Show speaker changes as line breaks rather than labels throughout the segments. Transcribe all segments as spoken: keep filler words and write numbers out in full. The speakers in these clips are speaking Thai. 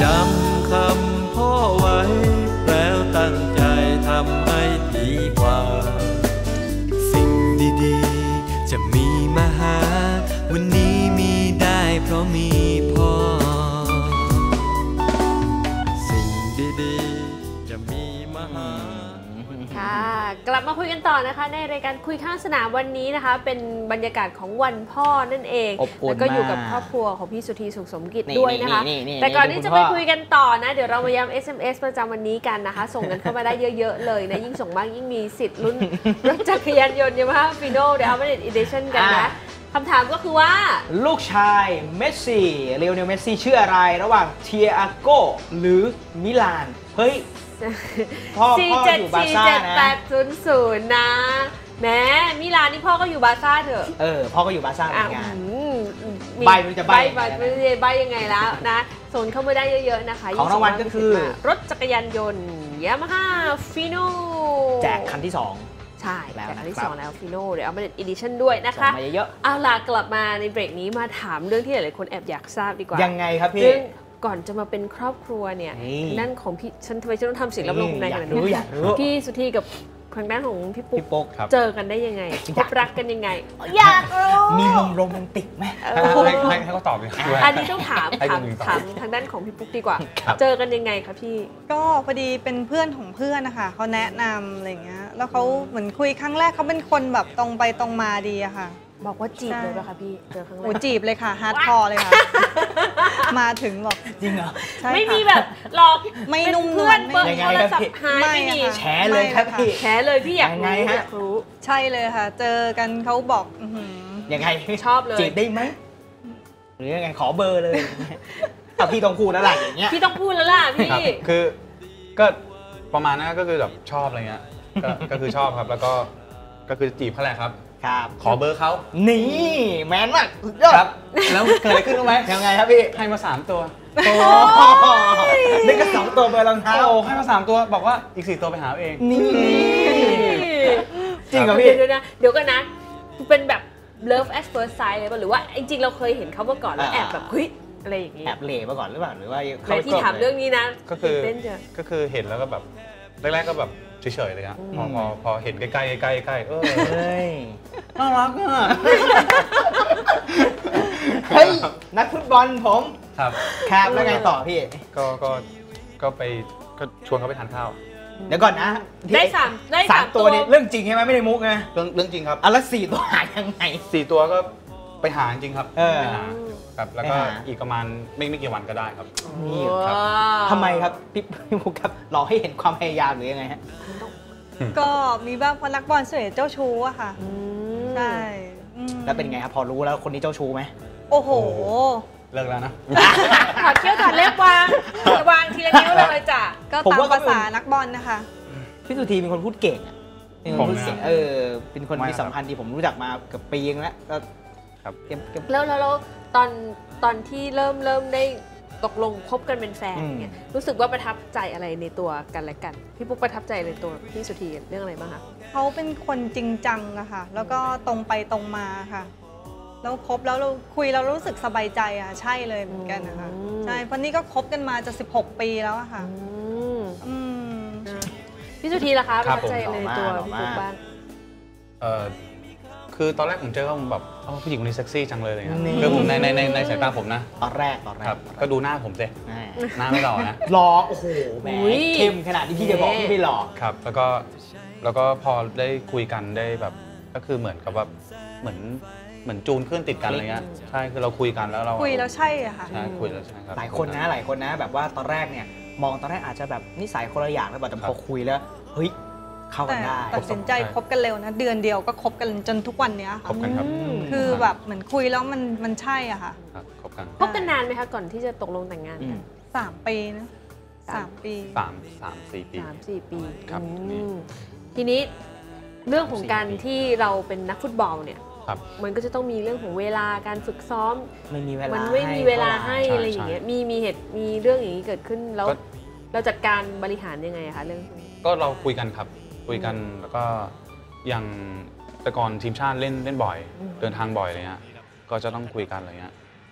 จำคำพ่อไว้แล้วตั้งใจทำให้ดีกว่าสิ่งดีๆจะมีมาหาวันนี้มีได้เพราะมีพ่อสิ่งดีๆจะมีมาหา
ค่ะกลับมาคุยกันต่อนะคะในรายการคุยข้างสนามวันนี้นะคะเป็นบรรยากาศของวันพ่อนั่นเองแล้วก็อยู่กับครอบครัวของพี่สุธีสุขสมกิจด้วยนะคะแต่ก่อนที่จะไปคุยกันต่อนะเดี๋ยวเรามาย้ำ เอส เอ็ม เอส ประจำวันนี้กันนะคะส่งกันเข้ามาได้เยอะๆเลยนะยิ่งส่งมากยิ่งมีสิทธิ์ลุ้นรถจักรยานยนต์ยามาฮ่าฟีโน่เดี๋ยวเอามาเด็ดอีดิชั่นกันนะคำถามก็คือว่า
ลูกชายเมสซี่เลโอเนลเมสซี่ชื่ออะไรระหว่างเทียโก้หรือมิลานเฮ้ยพ่อพ่ออยู่บาร์ซ่านะ สี่ เจ็ด แปด ศูนย์ ศูนย์ นะแม้มิลานนี่พ่อก็อยู่บาร์ซ่าเถอะเออพ่อก็อยู่บาร์ซ่าเหมือนกันใบมันจะใบใบไม่ได้ใบยังไงแล้วนะโซนเข้ามาได้เยอะๆนะคะของรางวัลก็คือรถจักรยานยนต์ยามาฮ่าฟีโน่แจกคันที่สองใช่แจกคันที่สองแล้วฟีโน่เดี๋ยวเอามาเด็ดอีดิชั่นด้วยนะคะมาเยอะเอาล่ะกลับมาในเบรกนี้มาถามเรื่องที่หลายๆคนแอบอยากทราบดีกว่ายังไงครับพี่ก่อนจะมาเป็นครอบครัวเนี่ยนั่นของพี่ฉันทำไมฉันต้องทำเสียงรับลมในขนาดนี้พี่สุธีกับทางด้านของพี่ปุ๊กเจอกันได้ยังไงพบรักกันยังไงอยากรู้มีมุมโรแมนติกไหม
ให้ให้เขาตอบเลย
อันนี้ต้องถามถามถามทางด้านของพี่ปุ๊กดีกว่าเจอกันยังไงคะพี่
ก็พอดีเป็นเพื่อนของเพื่อนนะคะเขาแนะนำอะไรอย่างเงี้ยแล้วเขาเหมือนคุยครั้งแรกเขาเป็นคนแบบตรงไปตรงมาดีอะค่ะ
บอกว่าจีบเลยป่ะคะพี่เจอครั้งแรก
โอ้จีบเลยค่ะฮาร์ดคอร์เลยค่ะมาถึงบอก
จริงเหรอ
ไม่มีแบบหลอก
ไม่นุ่ม
เพื่อนเปิดโทรศัพท์หายไม่มี
แฉเลยครับพี่
แฉเลยพี่อยากรู้อยากรู้
ใช่เลยค่ะเจอกันเขาบอก
ยังไง
ชอบเลย
จีบได้ไหมหรือยังไงขอเบอร์เลยแต่พี่ต้องพูดแล้วล่ะอย่างเงี้ย
พี่ต้องพูดแล้วล่ะพี่
คือก็ประมาณนั้นก็คือแบบชอบอะไรเงี้ยก็คือชอบครับแล้วก็ก็คือจีบเขาแหละครับ
ครับ
ขอเบอร์เขา
นี่แมนมากครับแล้วเกิดอะไรขึ้นรู้ไหมยังไงครับพี่
ให้มาสามตัว
โอ้นี่ก็สองตัวเบอร์รองเท้า
โอ้ให้มาสามตัวบอกว่าอีกสี่ตัวไปหาเอง
นี่จริงเหรอพี่
เดี๋ยวนะเดี๋ยวกันนะเป็นแบบ love at first sight เลยป่ะหรือว่าจริงๆเราเคยเห็นเขามาก่อนแล้วแอบแบบเฮ้ยอะไรอย่างงี้
แอบเล่มาก่อนหรือเปล่าหรือว่า
เขาที่ถามเรื่องนี้นะ
ก็คือก็คือเห็นแล้วก็แบบแรกๆก็แบบเฉยๆเลยอะพอพอพอเห็นใกล้ๆใกล้ๆใกล้เออ
น่ารักอ่ะเฮ้ยนักฟุตบอลผม
ครับ
ครับแล้วไงต่อพี่
ก็ก็ก็ไปก็ชวนเขาไปทานข้าว
เดี๋ยวก่อนนะ
ได้สามได้
สามตัวนี่เรื่องจริงใช่ไหมไม่ได้มุกไง
เรื่องเรื่องจริงครับ
อ่ะแล้วสี่ตัวหายังไง
สี่ตัวก็ไปหาจริงครับ
เออ
ครับแล้วก็อีกประมาณไม่ไม่กี่วันก็ได้ครับ
นี่ครับทำไมครับพี่พี่มุกครับรอให้เห็นความพยายามหรือยังไงฮะ
ก็มีบ้างเพราะนักบอลส่วนใหญ่เจ้าชู้อะค่ะใช่
แล้วเป็นไงครับพอรู้แล้วคนนี้เจ้าชู้ไหม
โอ้โห
เลิกแล้วนะ
ถอดเขี้ยวถอดเล็บวางวางทีละนิ้วเลยจ้ะ
ก็ตามภาษานักบอลนะคะ
พี่สุธีเป็นคนพูดเก่งอ่ะเป็นคนพูดเก่งเออเป็นคนมีสัมพันธ์ที่ผมรู้จักมาเกือบปีนึงแล้วก็
ครับ
แล้วแล้วตอนตอนที่เริ่มเริ่มได้ตกลงคบกันเป็นแฟนเนี่ยรู้สึกว่าประทับใจอะไรในตัวกันและกันพี่ปุ๊กประทับใจในตัวพี่สุธีเรื่องอะไรบ้างคะ
เขาเป็นคนจริงจังอะค่ะแล้วก็ตรงไปตรงมาค่ะแล้วคบแล้วเราคุยแล้วรู้สึกสบายใจอะใช่เลยเหมือนกันนะคะใช่เพราะนี่ก็คบกันมาจะสิบหกปีแล้วอะค่ะ
พี่สุธีล่ะคะประทับใจในตัวพี่ปุ๊กบ้าง
คือตอนแรกผมเจอเขาผมแบบผู้หญิงคนนี้เซ็กซี่จังเลยเลยครับคือผมในในในในสายตาผมนะ
ตอนแรกตอนแรก
ก็ดูหน้าผมสิหน้าไม่หล่อนะ
หล่อโอ้โหแหมเข้มขนาดที่พี่จะบอกพี่ไม่หล่อ
ครับแล้วก็แล้วก็พอได้คุยกันได้แบบก็คือเหมือนกับว่าเหมือนเหมือนจูนขึ้นติดกันอะไรเงี้ยใช่คือเราคุยกันแล้วเรา
คุยแล้วใช่อะค่ะ
ใช่คุยแล้วใช่ครับ
หลายคนนะหลายคนนะแบบว่าตอนแรกเนี่ยมองตอนแรกอาจจะแบบนิสัยคนละอย่างแล้วแต่พอคุยแล้วเฮ้ยเข้ากันได้
ตัดสินใจคบกันเร็วนะเดือนเดียวก็คบกันจนทุกวันนี้
คบกันครับ
คือแบบเหมือนคุยแล้วมันมันใช่อะค่ะ
คบกัน
คบกันนานไหมคะก่อนที่จะตกลงแต่งงานกัน
สามปีนะสามปี
สามสามสี่ปี
สามสี่ปี
ครับ
ทีนี้เรื่องของการที่เราเป็นนักฟุตบอลเนี่ยมันก็จะต้องมีเรื่องของเวลาการฝึกซ้อม
ไม่มีเวลา
มันไม่มีเวลาให้อะไรอย่างเงี้ยมีมีเหตุมีเรื่องอย่างนี้เกิดขึ้นแล้วเราจัดการบริหารยังไงคะเรื่อง
ก็เราคุยกันครับคุยกันแล้วก็อย่างแต่ก่อนทีมชาติเล่นเล่นบ่อยเดินทางบ่อยอะไรเงี้ยก็จะต้องคุยกันอะไรเงี้ย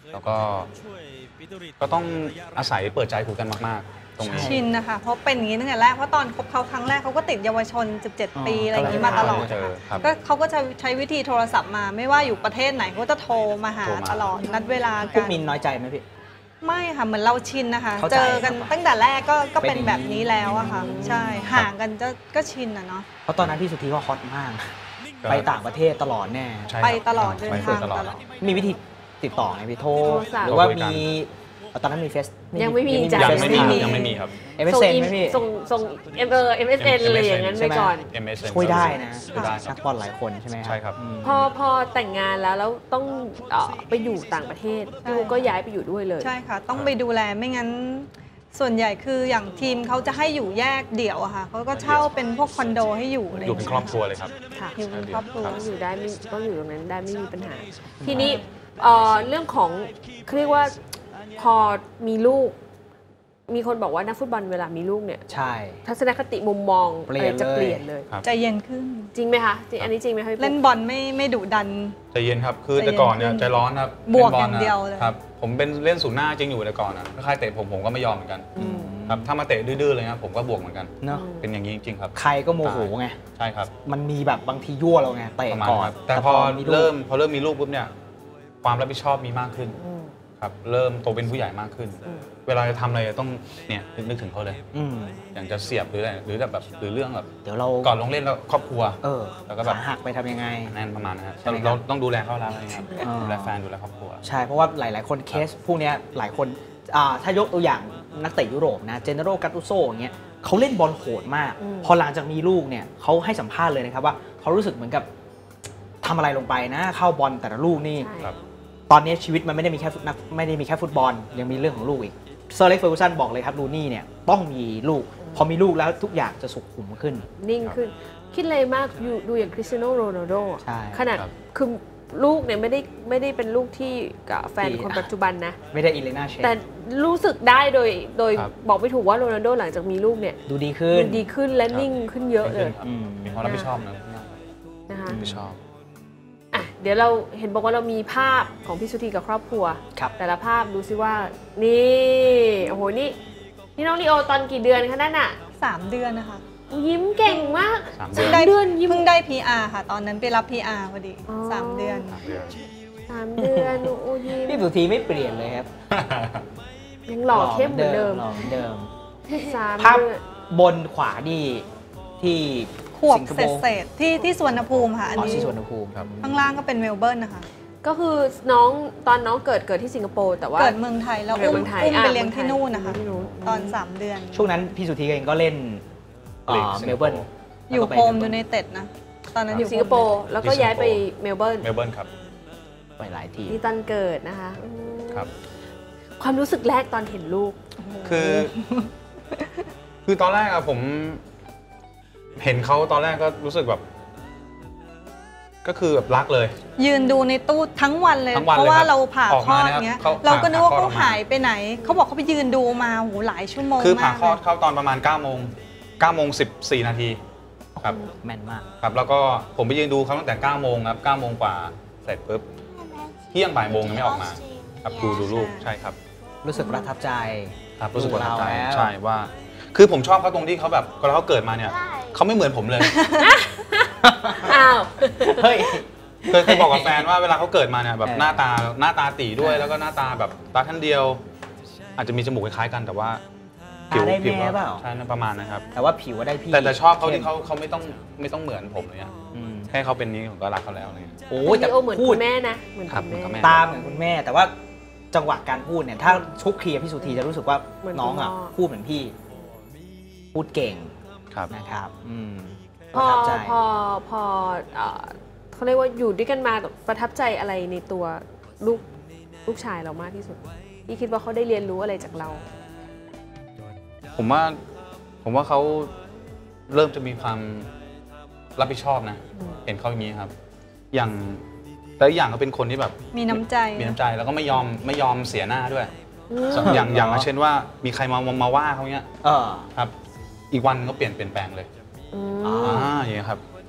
แล้วก็ก็ต้องอาศัยเปิดใจคุยกันมากๆตรงนี้
ชินนะคะเพราะเป็นอย่างนี้ตั้งแต่แรกเพราะตอนคบเขาครั้งแรกเขาก็ติดเยาวชนสิบเจ็ดปีอะไรอย่างนี้มาตลอดก็เขาก็จะใช้วิธีโทรศัพท์มาไม่ว่าอยู่ประเทศไหนเขาจะโทรมาหาตลอดนัดเวลากัน
พวกมินน้อยใจไหมพี่
ไม่ค่ะเหมือนเราชินนะคะเจอกันตั้งแต่แรกก็ก็เป็นแบบนี้แล้วอะค่ะใช่ห่างกันจะก็ชินอะเนาะ
เพราะตอนนั้นพี่สุธีก็ฮอตมากไปต่างประเทศตลอดแน่
ไปตลอดเดินทางตลอด
มีวิธีติดต่อไงพี่โทรหรือว่ามีตอนนั้นมีเฟซ
ยังไม่มี
จ้ะยังไม่มียังไม่มีครับ
เอ็ม เอส เอ็น ไหมพี่
ส่งส่งเอ็มเออ เอ็ม เอส เอ็น อะไรอย่างนั้นไปก่อน
ช่วยได้นะนักบอลหลายคนใช่ไหม
ใช่ครับ
พอพอแต่งงานแล้วแล้วต้องไปอยู่ต่างประเทศลูกก็ย้ายไปอยู่ด้วยเลย
ใช่ค่ะต้องไปดูแลไม่งั้นส่วนใหญ่คืออย่างทีมเขาจะให้อยู่แยกเดี่ยวอะค่ะเขาก็เช่าเป็นพวกคอนโดให้อยู่
อยู่เป็นครอบครัวเลยครับ
ค่ะอยู่เป็นครอบครัวอยู่ได้ต้องอยู่ตรงนั้นได้ไม่มีปัญหาทีนี้เรื่องของเขาเรียกว่าพอมีลูกมีคนบอกว่านักฟุตบอลเวลามีลูกเนี่ย
ใช่
ทัศนคติมุมมองอะไรจะเปลี่ยนเลย
ใจเย็นขึ้น
จริงไหมคะอันนี้จริงไหมคะ
เล่นบอลไม่ไม่ดุดัน
ใจเย็นครับคือแต่ก่อนเนี่ยใจร้อนครับ
บวกอย่างเดียวเลย
ครับผมเป็นเล่นศูนย์หน้าจริงอยู่แต่ก่อนนะถ้าใครเตะผมผมก็ไม่ยอมเหมือนกันครับถ้ามาเตะดื้อๆเลยครับผมก็บวกเหมือนกัน
เนาะ
เป็นอย่างนี้จริงๆครับ
ใครก็โมโหไง
ใช่ครับ
มันมีแบบบางทียั่วเราไงเตะก่อน
แต่พอเริ่มพอเริ่มมีลูกปุ๊บเนี่ยความรับผิดชอบมีมากขึ้นครับเริ่มโตเป็นผู้ใหญ่มากขึ้นเวลาจะทำอะไรต้องเนี่ยนึกถึงเขาเลยอย่างจะเสียบหรืออะไรหรือแบบหรือเรื่องแบบ
เดี๋ยวเรา
ก่อนลงเล่นแล้วครอบครัว
เออแล้วก็แบบหักไปทำยังไง
นั่นประมาณนั้นเราต้องดูแลเขาแล้วนะครับดูแลแฟนดูแลครอบครัว
ใช่เพราะว่าหลายๆคนเคสพวกนี้หลายคนถ้ายกตัวอย่างนักเตะยุโรปนะเจเนโรกัตตุโซอย่างเงี้ยเขาเล่นบอลโหดมากพอหลังจากมีลูกเนี่ยเขาให้สัมภาษณ์เลยนะครับว่าเขารู้สึกเหมือนกับทำอะไรลงไปนะเข้าบอลแต่ละลูกนี่ตอนนี้ชีวิตมันไม่ได้มีแค่นักไม่ได้มีแค่ฟุตบอลยังมีเรื่องของลูกอีกเซอร์เล็กเฟอร์กูสันบอกเลยครับลูนี่เนี่ยต้องมีลูกพอมีลูกแล้วทุกอย่างจะสุขุมขึ้น
นิ่งขึ้นคิดเลยมากดูอย่างคริสเตียโนโรนัลโดขนาดคือลูกเนี่ยไม่ได้ไม่ได้เป็นลูกที่กับแฟนคนปัจจุบันนะ
ไม่ได้อิเลน่าเชฟ
แต่รู้สึกได้โดยโดยบอกไม่ถูกว่าโรนัลโดหลังจากมีลูกเนี่ย
ดูดีขึ้น
ดูดีขึ้นและนิ่งขึ้นเยอะเลย
มีความรับผิดชอบนะ
นะคะ
รับผิดชอบ
เดี๋ยวเราเห็นบอกว่าเรามีภาพของพี่สุธีกับครอบครัวแต่ละภาพดูซิว่านี่โอ้โหนี่นี่น้องลีโอตอนกี่เดือนคะนั่นอ่ะ
สามเดือนนะคะ
ยิ้มเก่งมาก
สาม
เดือนยิ้มเพิ่งได้ พี อาร์ ค่ะตอนนั้นไปรับ พี อาร์ พอดีสามเดือน
สามเดือนโอ้ยิ้ม
พี่สุธีไม่เปลี่ยนเลยครับ
ยังหล่อเข้มเหมือนเดิม
หล่อเหมือนเดิม
ภาพ
บนขวานี่ที่
ขวบเศษๆที่ที่สวนภูมิค่ะอันนี้
ที่สวนภูมิครับ
ข้างล่างก็เป็นเมลเบิร์นนะคะ
ก็คือน้องตอนน้องเกิดเกิดที่สิงคโปร์แต่ว่า
เกิดเมืองไทยแล้วอุ้มอุ้มไปเลี้ยงที่นู่นนะคะตอนสามเดือน
ช่วงนั้นพี่สุธีเองก็เล่นเมลเบิร์น
อยู่โฮมยูไนเต็ดนะตอนนั้น
อยู่สิงคโปร์แล้วก็ย้ายไปเมลเบิร์น
เมลเบิร์นครับ
ไปหลายที
ที่ตอนเกิดนะคะ
ครับ
ความรู้สึกแรกตอนเห็นลูก
คือคือตอนแรกอะผมเห็นเขาตอนแรกก็รู้สึกแบบก็คือแบบรักเลย
ยืนดูในตู้ทั้งวันเลยเพราะว่าเราผ่าคลอดเงี้ยเราก็นึกว่าเขาหายไปไหนเขาบอกเขาไปยืนดูมาโหหลายชั่วโมง
คือผ่าคลอดเข้าตอนประมาณเก้าโมงเก้าโมงสิบสี่นาทีครับ
แม่นมาก
ครับแล้วก็ผมไปยืนดูเขาตั้งแต่เก้าโมงครับเก้าโมงกว่าเสร็จปุ๊บเที่ยงบ่ายโมงยังไม่ออกมาครับดูดูลูกใช่ครับ
รู้สึกประทับใจ
ครับรู้สึกประทับใจใช่ว่าคือผมชอบเขาตรงที่เขาแบบเวลาเขาเกิดมาเนี่ยเขาไม่เหมือนผมเลย
อ้าว
เฮ้ย
เคยเคยบอกกับแฟนว่าเวลาเขาเกิดมาเนี่ยแบบหน้าตาหน้าตาตีด้วยแล้วก็หน้าตาแบบตาท่านเดียวอาจจะมีจมูกคล้ายๆกันแต่ว่า
ผิวผิว
ใช่ประมาณนะครับ
แต่ว่าผิวได้พี่
แต่แต่ชอบเขาที่เขาเขาไม่ต้องไม่ต้องเหมือนผมเลยอ่ะแค่เขาเป็นนี้ผมก็รักเขาแล้วเลย
โอ้แต่เหมือนคุณแม่นะเหมือนคุณแม่
ตาเหมือนคุณแม่แต่ว่าจังหวะการพูดเนี่ยถ้าชุกเคลียร์พี่สุธีจะรู้สึกว่าน้องอ่ะพูดเหมือนพี่พูดเก่งนะครับ
พอพอพอเขาเรียกว่าอยู่ด้วยกันมาประทับใจอะไรในตัวลูกลูกชายเรามากที่สุดที่คิดว่าเขาได้เรียนรู้อะไรจากเรา
ผมว่าผมว่าเขาเริ่มจะมีความรับผิดชอบนะเห็นเขาอย่างนี้ครับอย่างแต่อย่างเขาเป็นคนที่แบบ
มีน้ำใจ
มีน้ำใจแล้วก็ไม่ยอมไม่ยอมเสียหน้าด้วยอย่างอย่างเช่นว่ามีใครมามาว่าเขาเนี้ยครับอีกวันก็เปลี่ยนเปลี่ยนแปลงเลยอ่าอย่างนี้ครับ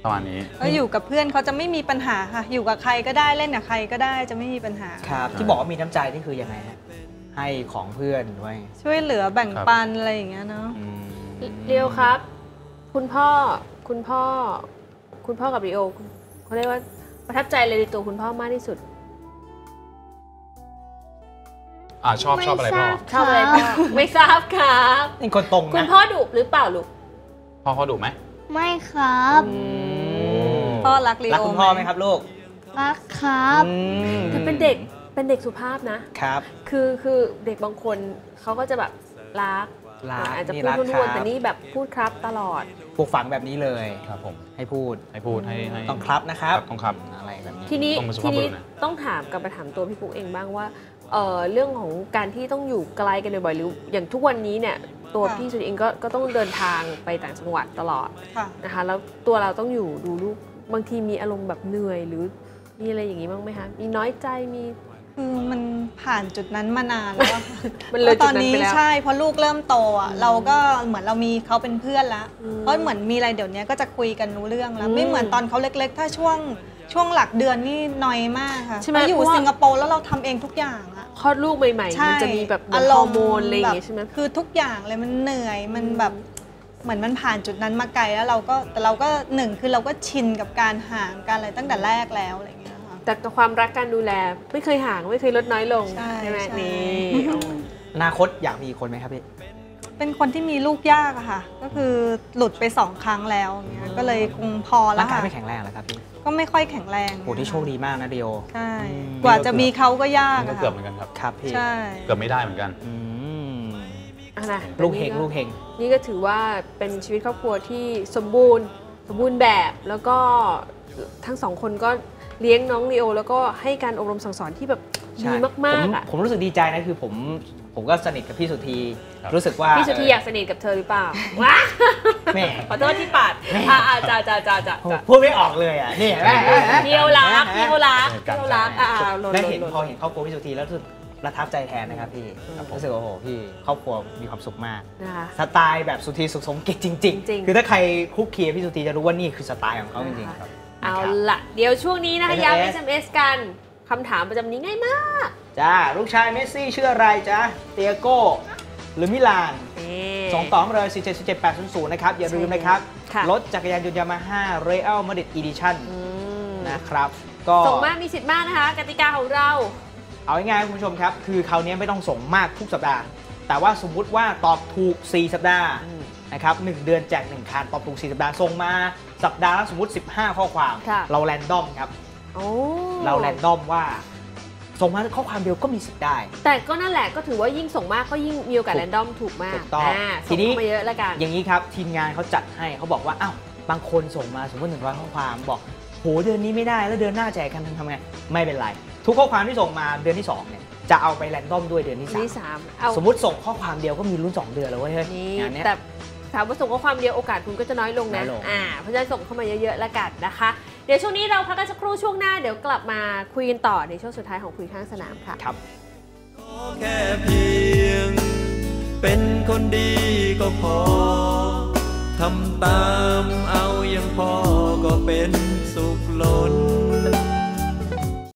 ประมาณนี้
ก็อยู่กับเพื่อนเขาจะไม่มีปัญหาค่ะอยู่กับใครก็ได้เล่นกับใครก็ได้จะไม่มีปัญหา
ครับที่บอกว่ามีน้ำใจนี่คือยังไงฮะให้ของเพื่อนด้วย
ช่วยเหลือแบ่งปันอะไรอย่างเงี้ยเนาะ
เรียวครับ คุณพ่อคุณพ่อคุณพ่อกับริโอเขาเรียกว่าประทับใจเลยในตัวคุณพ่อมากที่สุด
อ่าชอบชอบอะไรพ่อ
ชอบอะไรพ่อไม่ทราบครับ
เป็นคนตรงนะ
คุณพ่อดุหรือเปล่าลูก
พ่อเขาดุไหม
ไม่ครับ
พ่อรักริโอ
รักคุณพ่อไหมครับลูก
รักครับ
แต่เป็นเด็กเป็นเด็กสุภาพนะครับคือคือเด็กบางคนเขาก็จะแบบรักอาจจะพูดทุ่นๆแต่นี่แบบพูดครับตลอด
ปลูกฝังแบบนี้เลย
ครับผม
ให้พูด
ให้พูดให้
ต้องครับนะครับ
ต้องครับ
อะไรแบบนี้
ทีนี้ทีนี้ต้องถามกับมาถามตัวพี่ปุ๊กเองบ้างว่าเอ่อเรื่องของการที่ต้องอยู่ไกลกันบ่อยๆหรืออย่างทุกวันนี้เนี่ยตัวพี่สุดเองก็ก็ต้องเดินทางไปต่างจังหวัดตลอดนะคะแล้วตัวเราต้องอยู่ดูลูกบางทีมีอารมณ์แบบเหนื่อยหรือมีอะไรอย่างนี้บ้างไหมคะมีน้อยใจมี
คือมันผ่านจุดนั้นมานานแล้ว
มันเลย
ตอนนี้ใช่เพราะลูกเริ่มโตอ่ะเราก็เหมือนเรามีเขาเป็นเพื่อนแล้วเพราะเหมือนมีอะไรเดี๋ยวนี้ก็จะคุยกันรู้เรื่องแล้วไม่เหมือนตอนเขาเล็กๆถ้าช่วงช่วงหลักเดือนนี่น้อยมากค่ะเราอยู่สิงคโปร์แล้วเราทำเองทุกอย่างอะ
คลอดลูกใหม่ๆมันจะมีแบบฮอร์โมนอะไรอย่างเงี้ยใช่ไหม
คือทุกอย่างเลยมันเหนื่อยมันแบบเหมือนมันผ่านจุดนั้นมาไกลแล้วเราก็แต่เราก็หนึ่งคือเราก็ชินกับการห่างกันอะไรตั้งแต่แรกแล้วอะไรอย่างเงี้ยค่ะ
แต่ความรักการดูแลไม่เคยห่างไม่เคยลดน้อยลงใช่ไหมนี่
อนาคตอยากมีคนไหมครับพี่
เป็นคนที่มีลูกยากอะค่ะก็คือหลุดไปสองครั้งแล้วเงี้ยก็เลยคงพอแล้วค่ะ
ร่างกายไม่แข็งแรงแล้วครับพี่
ก็ไม่ค่อยแข็งแรง
โอ้ที่โชคดีมากนะเดียว
ใช่กว่าจะมีเขาก็ยาก
ก็เกือบเหมือนกันครับ
ครับพี่
ใช่
เกือบไม่ได้เหมือนกัน
ลูกเฮงลูกเฮง
นี่ก็ถือว่าเป็นชีวิตครอบครัวที่สมบูรณ์สมบูรณ์แบบแล้วก็ทั้งสองคนก็เลี้ยงน้องลีโอแล้วก็ให้การอบรมสั่งสอนที่แบบดีมากๆอ่ะ
ผมรู้สึกดีใจนะคือผมผมก็สนิทกับพี่สุธีรู้สึกว่า
พี่สุธีอยากสนิทกับเธอหรือเปล่าว้าแม่ขอโทษที่ปัดอ่าจ้าจ้าจ้าจ้า
พูดไม่ออกเลยอ่ะนี่
เที่ยวรักเที่ยวรักเที่ยวรักอ่า
ได้เห็นพอเห็นครอบครัวพี่สุธีแล้วรู้สึกประทับใจแทนนะครับพี่รู้สึกว่าโอ้โหพี่ครอบครัวมีความสุขมากสไตล์แบบสุธีสุขสมกิจจริงๆคือถ้าใครคุกคีพี่สุธีจะรู้ว่านี่คือสไตล์ของเขาจริงๆครับ
เอาละเดี๋ยวช่วงนี้นะคะย้ำ เอส เอ็ม เอส กันคำถามประจำนี้ง่ายมาก
จ้าลูกชายเมสซี่ชื่ออะไรจ๊ะเตียโก้หรือมิลานส่งต่อมาเลยสี่เจ็ด เจ็ดแปดศูนย์ศูนย์นะครับอย่าลืมนะครับรถจักรยานยนต์ยามาฮ่าเรอัลมาดริดอีดิชั่นนะครับ
ก็ส่งมากมีสิทธิ์มากนะคะกติกาของเรา
เอาง่ายๆคุณผู้ชมครับคือคราวนี้ไม่ต้องส่งมากทุกสัปดาห์แต่ว่าสมมุติว่าตอบถูกสี่สัปดาห์นะครับหนึ่งเดือนแจกหนึ่งคันตอบถูกสี่สัปดาห์ส่งมาสัปดาห์ละสมมติสิบห้าข้อความเราแรนดอมครับเราแรนดอมว่าส่งมาข้อความเดียวก็มีสิทธิ์ได้
แต่ก็นั่นแหละก็ถือว่ายิ่งส่งมากก็ยิ่งมีโอกาสแรนดอมถูกมากถูกต้องทีนี้มาเยอะแล้วกัน
อย่างนี้ครับทีมงานเขาจัดให้เขาบอกว่าอ้าวบางคนส่งมาสมมติหนึ่งร้อยข้อความบอกโหเดือนนี้ไม่ได้แล้วเดือนหน้าแจกกันทำไงไม่เป็นไรทุกข้อความที่ส่งมาเดือนที่สองเนี่ยจะเอาไปแรนดอมด้วยเดือนที่สามสมมติส่งข้อความเดียวก็มีลุ้นสองเดือนแล้วเว้ย
งานนี้แต่ถามว่าส่งข้อความเดียวโอกาสคุณก็จะน้อยลงนะอ่าเพราะฉะนั้นส่งเข้ามาเยอะๆแล้วกันนะคะเดี๋ยวช่วงนี้เราพักกันสักครู่ช่วงหน้าเดี๋ยวกลับมาคุยกันต่อในช่วงสุดท้ายของคุยข้างสนามค่ะ
ครับ
แค่เพียงเป็นคนดีก็พอทำตามเอายังพอ